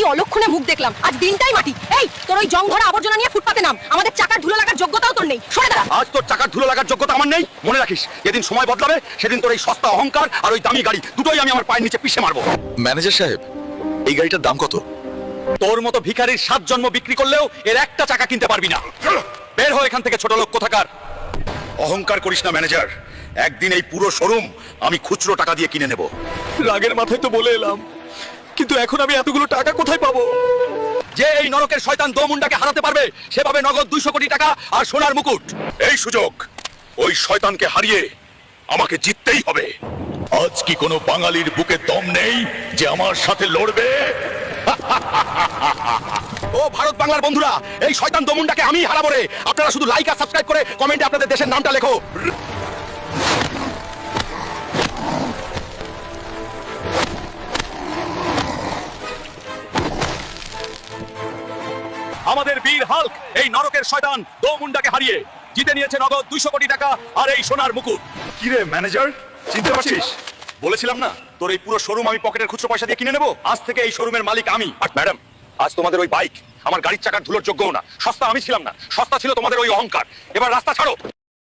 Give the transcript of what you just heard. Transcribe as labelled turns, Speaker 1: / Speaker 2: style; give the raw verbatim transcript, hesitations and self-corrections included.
Speaker 1: অলক্ষণে মুখ দেখলাম, আজ দিনটাই মাটি। এই তোর ওই জংভরা আবর্জনা নিয়ে ফুটপাতে নাম, আমাদের চাকার ধুলো লাগার যোগ্যতাও তোর নেই, সরে দাঁড়া।
Speaker 2: আজ তোর চাকার ধুলো লাগার যোগ্যতা আমার নেই, মনে রাখিস যেদিন সময় বদলাবে সেদিন তোর এই সস্তা অহংকার আর ওই দামি গাড়ি দুটোই আমি আমার পায়ের নিচে পিষে মারবো।
Speaker 3: ম্যানেজার সাহেব, এই গাড়িটার দাম কত?
Speaker 2: তোর মতো ভিখারির সাত জন্ম বিক্রি করলেও এর একটা চাকা কিনতে পারবি না। বের হও এখান থেকে ছোট লোক কোথাকার। অহংকার করিস না ম্যানেজার, একদিন এই পুরো শোরুম আমি খুচরো টাকা দিয়ে কিনে নেব।
Speaker 3: রাগের মাথায় তো বলে এলাম, কিন্তু এখন আমি এতগুলো টাকা কোথায় পাবো?
Speaker 2: যে এই নরকের শয়তান দোমুন্ডাকে হারাতে পারবে সে পাবে নগদ দুইশো কোটি টাকা আর সোনার মুকুট। এই সুযোগ ওই শয়তানকে হারিয়ে আমাকে জিততেই হবে। আজ কি কোনো বাঙালির বুকে দম নেই যে আমার সাথে লড়বে? ও ভারত বাংলার বন্ধুরা, এই শয়তান দোমুন্ডাকে আমি হারাবো রে। আপনারা শুধু লাইক আর সাবস্ক্রাইব করে কমেন্টে আপনাদের দেশের নামটা লেখো। আমাদের বীর হাল্ক এই নরকের শয়তান দোমুন্ডাকে হারিয়ে জিতে নিয়েছে নগদ দুইশো কোটি টাকা আর এই সোনার মুকুট। কি রে ম্যানেজার, চিনতে পারছিস? বলেছিলাম না তোর এই পুরো শোরুম আমি পকেটের খুচরো পয়সা দিয়ে কিনে নেবো। আজ থেকে এই শোরুমের মালিক আমি। আর ম্যাডাম, আজ তোমাদের ওই বাইক আমার গাড়ির চাকার ধুলোর যোগ্যও না। সস্তা আমি ছিলাম না, সস্তা ছিল তোমাদের ওই অহংকার। এবার রাস্তা ছাড়ো।